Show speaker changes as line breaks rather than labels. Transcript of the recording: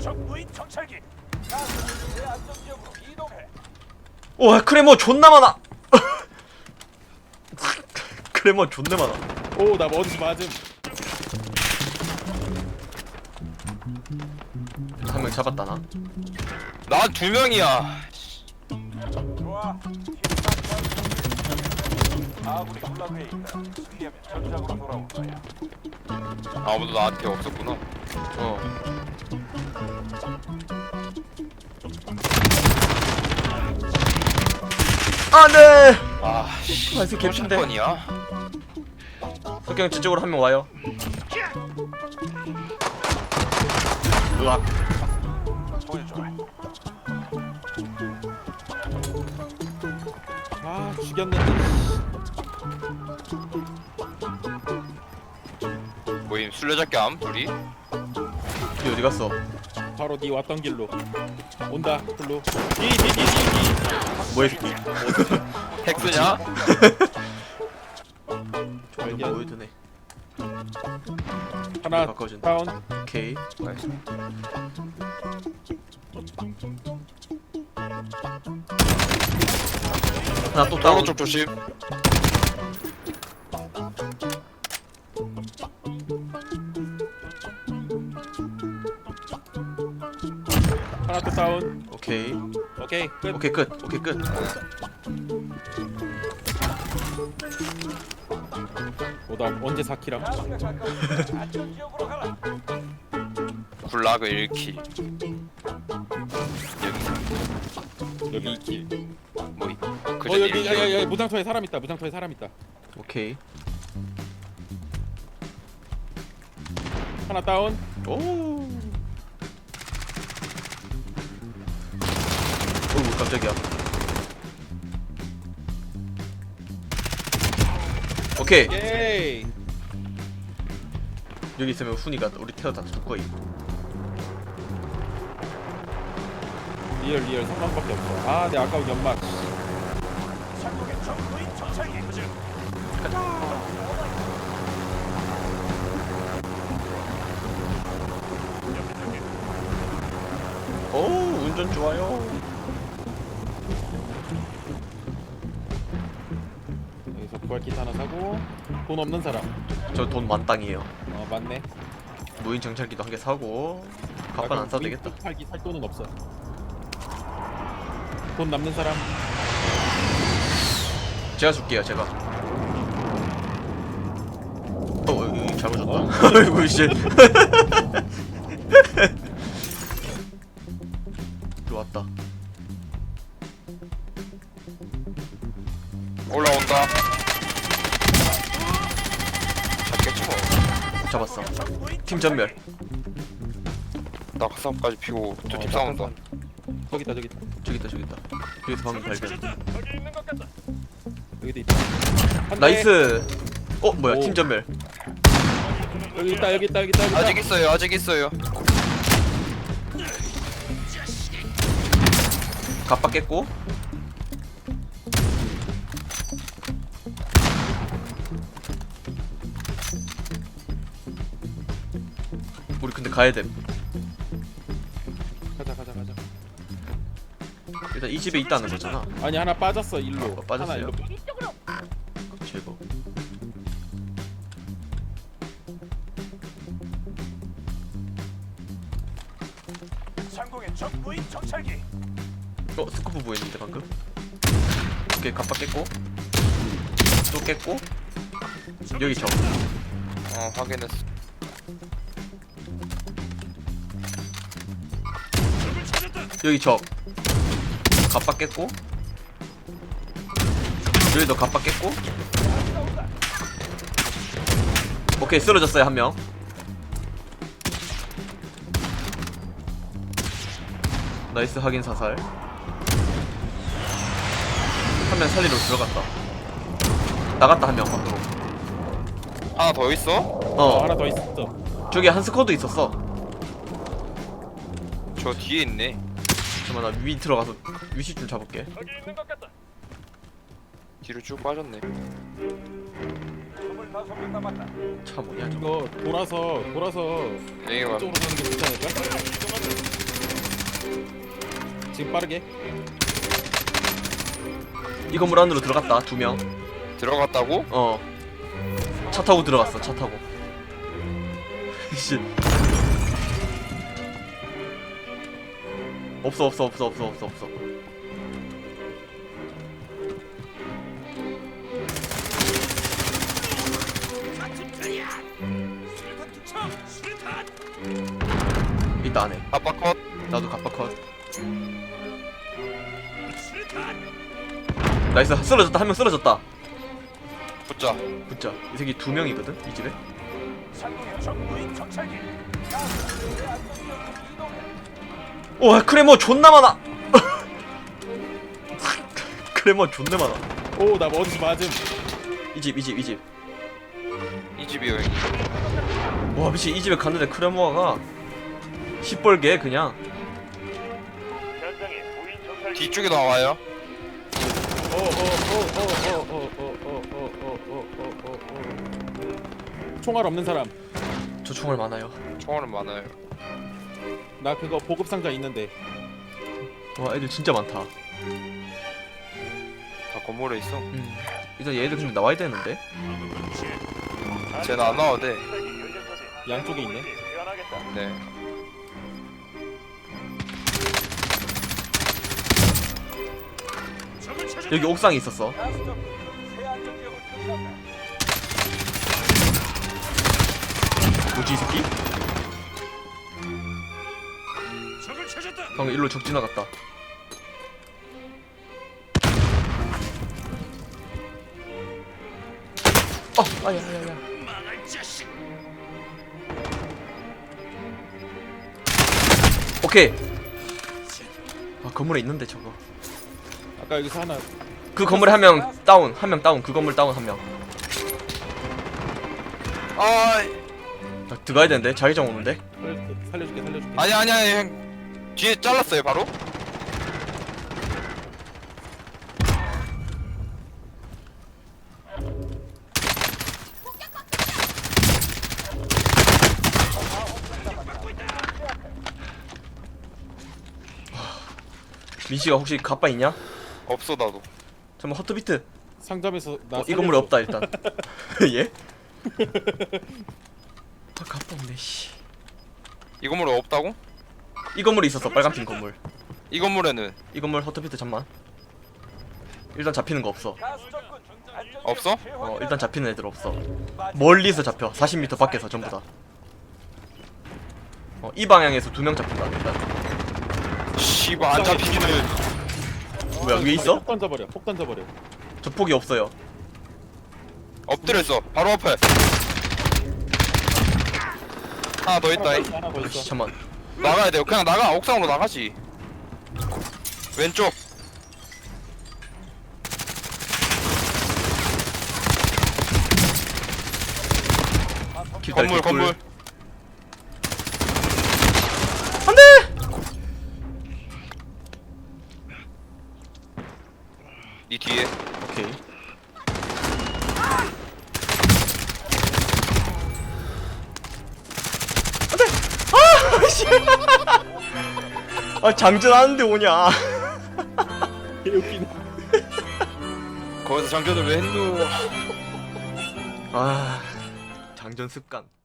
적 무인 정찰기. 가스 내 안전 지역으로 이동해.
와 크레모 존나 많아. 크레모 존나 많아.
오, 나 어디서 맞음.
한 명 잡았다 나.
나 2명이야.
좋아. 아군이 군락에 있다. 승리하면 전장으로 돌아올 거야.
아무도 나한테 없었구나.
어. 안돼.
아, 씨.
아, 이 새끼 갭신데.
번이야?
석경 저쪽으로 한 명 와요. 으악.
보여줘.
아, 죽였는데.
모임 술래잡기 암? 둘이?
이 어디 갔어?
바로 네 왔던 길로. 온다, 글로. 뒤.
뭐야 이 새끼.
핵스냐?
좀
발견.
보여드네.
하나,
가까워진다.
다운.
오케이. 하나 또 다운.
오른쪽 조심.
하나 또 다운.
오케이.
오케이, 끝.
오케이 끝. 오케이 끝.
나 언제 4키랑?
가스가 가까우니 안전 지역으로 가라.
굴락을 1킬.
여기 2킬.
모임. 그
여기,
1킬.
여기 무장터에 사람 있다. 무장터에 사람 있다.
오케이.
하나 다운.
오. 오 깜짝이야. 오케이.
예이.
여기 있으면 훈이가 우리 태워다 줄 거임.
리얼 3만밖에 없어. 아, 내 아까운 연막.
상공의 적 무인 정찰기.
오 운전 좋아요.
여기서 부활키트 하나 사고. 돈 없는 사람.
저 돈 만땅이에요.
맞네.
무인 정찰기도 한 개 사고. 갑판 안 사도 되겠다.
팔기 살 돈은 없어. 돈 남는 사람.
제가 줄게요 제가. 여기 잘못 줬다. 아이고 씨. 들어왔다.
올라온다. 잡겠지 뭐.
잡았어. 팀 전멸.
낙하산까지 피고 저 팀 싸운다.
저기 있다, 저기 있다.
저기 있다 저기 있다. 여기서 방금 발견.
저기 있는 것 같다.
여기도 있다. 한 대.
나이스. 뭐야
오.
팀 전멸.
여기 있다, 여기 있다, 여기 있다. 여기 있다.
아직 있어요. 아직 있어요.
갑박 깼고. 우리 근데 가야 돼.
가자.
일단 이 집에 있다는 거잖아.
아니, 하나 빠졌어, 일로.
빠졌어요?
하나 일로.
제거.
상공의 적 무인 정찰기.
스쿠프 보였는데 방금. 오케이 갑박 깼고. 또 깼고. 여기 적.
확인했어.
여기 적. 갑박 깼고. 여기도 갑박 깼고. 오케이 쓰러졌어요 한 명. 나이스 확인 사살. 한 명 살리러 들어갔다. 나갔다 한 명 밖으로.
하나 더 있어?
하나 더 있어.
저기 한 스쿼드 있었어.
저 뒤에 있네.
잠깐만 나 위 들어가서 위시 좀 잡을게.
저기 있는 것 같다.
뒤로 쭉 빠졌네.
25명 남았다.
차 뭐냐 저거.
이거 돌아서
여기가
이쪽으로 가는 게 좋지 않을까? 지금 빠르게.
이 건물 안으로 들어갔다 2명.
들어갔다고?
차 타고 들어갔어. 차 타고. 씨. 없어. 있다 안에.
아빠 컷.
나도 갑바 컷. 나이스. 쓰러졌다. 한 명 쓰러졌다.
붙자.
붙자. 이 새끼 2명이거든 이 집에.
상공의 적 무인 정찰기.
와 크레모 존나 많아. 크레모 존나 많아.
오, 나 어디서 맞음.
이 집.
이 집이요 형님.
와 미친 이 집에 갔는데 크레모아가 시뻘게 그냥.
현장에 무인 정찰기.
뒤쪽에 나와요.
총알 없는 사람.
저 총알 많아요.
총알은 많아요.
나 그거 보급 상자 있는데.
와 애들 진짜 많다.
다 건물에 있어.
일단 얘들 근데 나와야 되는데.
쟤는 안 나와도 돼.
양쪽에 있네.
네.
여기 옥상에 있었어. 뭐지 이 새끼? 방금 일로 적 지나갔다. 아야야야. 오케이. 아 건물에 있는데 저거.
아까 여기서 하나.
그 건물에 한 명 다운. 그 건물 다운 한 명.
아,
나 들어가야 되는데 자기장 오는데.
살려줄게.
아니 형. 뒤에 잘랐어요 바로.
민씨가 혹시 갑바 있냐?
없어 나도.
잠깐 허트비트.
상점에서 나.
이 건물에 없다 일단. 예? 아 갑바 없네 씨.
이 건물에 없다고?
이 건물에 있었어 빨간핀 건물.
이 건물에는
이 건물 허트비트 잠만. 일단 잡히는 거 없어.
없어?
일단 잡히는 애들 없어. 멀리서 잡혀. 40m 밖에서 전부 다. 이 방향에서 2명 잡힌다 일단.
씨발 안 잡히기는.
뭐야 위에 있어?
폭 던져버려.
저 폭이 없어요.
엎드려 있어. 바로 앞에. 하나 더 있다.
하나 더
아씨
있어.
잠만.
나가야 돼요. 그냥 나가. 옥상으로 나가지. 왼쪽.
기다려,
건물
개꿀.
건물. 니 뒤에.
오케이. 안돼. 씨. 아 장전하는데 오냐.
개웃기네.
거기서 장전을 왜 했노?
아 장전 습관.